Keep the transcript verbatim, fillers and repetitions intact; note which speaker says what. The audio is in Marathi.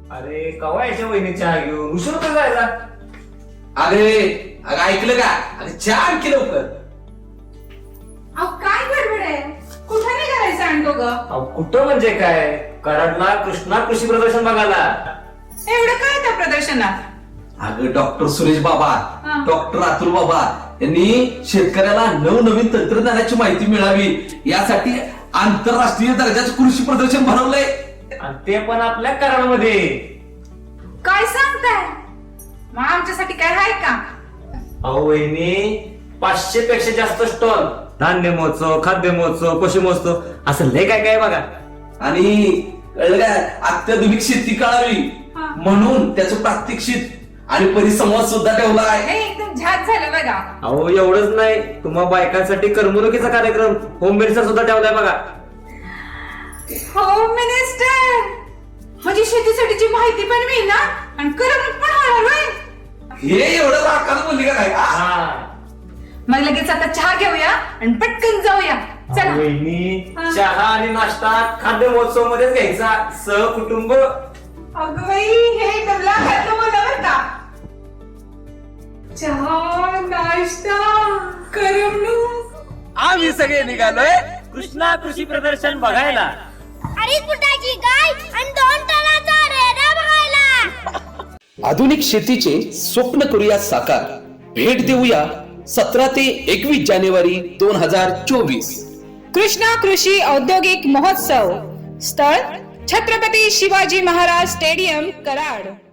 Speaker 1: अरे कवा याच्या वहिनी चहा घेऊन उशीर होतो जायला.
Speaker 2: अरे अगं ऐकलं का? अरे चहा आणखी लवकर.
Speaker 3: अहो काय गडबड आहे? कुठे निघालायचं आणतो ग?
Speaker 1: अहो, कुठं म्हणजे काय, कराडला कृष्णा कृषी प्रदर्शन बघायला.
Speaker 3: एवढं काय त्या प्रदर्शनात?
Speaker 2: अगं डॉक्टर सुरेश बाबा,
Speaker 3: हा.
Speaker 2: डॉक्टर अतुल बाबा यांनी शेतकऱ्याला नवनवीन तंत्रज्ञानाची माहिती मिळावी यासाठी आंतरराष्ट्रीय दर्जाचं कृषी प्रदर्शन भरवलंय.
Speaker 1: आणि ते पण आपल्या कराडमध्ये.
Speaker 3: काय सांगताय? मग आमच्यासाठी काय आहे का?
Speaker 1: अहो वहिनी, पाचशे पेक्षा जास्त स्टॉल, धान्य महोत्सव, खाद्य महोत्सव, पशु महोत्सव, असं लय काय काय बघा.
Speaker 2: आणि कळलं काय, अत्याधुनिक शेती कळावी
Speaker 3: हा.
Speaker 2: म्हणून त्याचं प्रात्यक्षिक आणि परिसंवाद सुद्धा ठेवला आहे.
Speaker 3: हे एकदम झात झालं बघा.
Speaker 1: अहो एवढंच नाही, तुम्हा बायकांसाठी करमणुकीचा कार्यक्रम होम मेडचा सुद्धा ठेवलाय बघा.
Speaker 3: होम मिनिस्टर म्हणजे शेतीसाठीची माहिती पण मिळणार आणि करमणूक पण होणार.
Speaker 2: हे एवढं राखायला बोलली का काय? आ?
Speaker 1: हा.
Speaker 3: मग लगेच आता चहा घेऊया आणि पटकन जाऊया. चला.
Speaker 1: अहो वहिनी,
Speaker 3: हा.
Speaker 1: चहा आणि नाश्ता खाद्य महोत्सव मध्येच घ्यायचा, सहकुटुंब.
Speaker 3: अगं बाई, हे एकदम लाखातलं बोला बरं का. चहा, नाश्ता, करमणूक.
Speaker 2: आम्ही सगळे निघालोय
Speaker 1: कृष्णा कृषी प्रदर्शन बघायला.
Speaker 4: अडीच फुटाची गाय आणि दोन टनाचा रेडा बघायला.
Speaker 5: आधुनिक शेतीचे स्वप्न करूया साकार. भेट देऊया सतरा ते एकवीस जानेवारी दोन हजार चोवीस.
Speaker 6: कृष्णा कृषी औद्योगिक महोत्सव. स्थळ छत्रपती शिवाजी महाराज स्टेडियम, कराड.